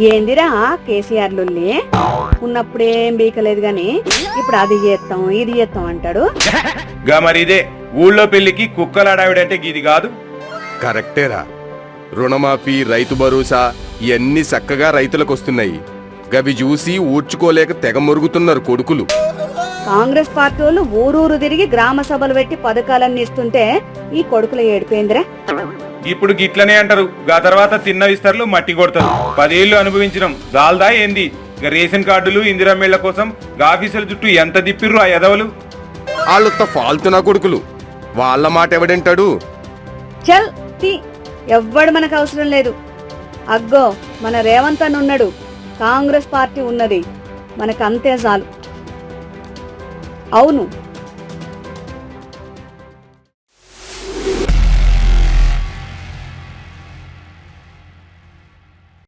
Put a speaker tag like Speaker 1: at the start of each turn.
Speaker 1: ఏందిరా కేసీఆర్ లుల్లి ఉన్నప్పుడేం బీకలేదు గాని ఇప్పుడు అది చేస్తాం ఇది చేస్తాం అంటాడు.
Speaker 2: గా మరి ఇదే ఊళ్ళో పెళ్లికి కుక్కలాడావిడంటే గీది కాదు.
Speaker 3: కరెక్టేరా. రుణమాఫీ, రైతు భరోసా ఇవన్నీ చక్కగా రైతులకు వస్తున్నాయి. గవి చూసి ఊడ్చుకోలేక తెగ మురుగుతున్నారు కొడుకులు.
Speaker 1: కాంగ్రెస్ పార్టీ వాళ్ళు ఊరూరు తిరిగి గ్రామ సభలు పెట్టి పథకాలన్నీ ఇస్తుంటే ఈ కొడుకుల ఏడిపోయిందిరా.
Speaker 2: ఇప్పుడు గిట్లనే అంటారు. గా తర్వాత తిన్న విస్తర్లు మట్టి కొడతారు. 10 ఏళ్లు అనుభవించడం జాల్దా ఏంది? రేషన్ కార్డులు, ఇందిరమ్మేళ్ల కోసం ఆఫీసుల చుట్టూ ఎంత దిప్పిర్రు ఆ ఎదవలు.
Speaker 3: వాళ్ళొత్త ఫాల్తునా కొడుకులు, వాళ్ళ మాట ఎవడంటాడు?
Speaker 1: చల్ తీ, ఎవ్వడు మనకు అవసరం లేదు. అగ్గో మన రేవంత్ అని ఉన్నాడు, కాంగ్రెస్ పార్టీ ఉన్నది, మనకంతే చాలు. అవును,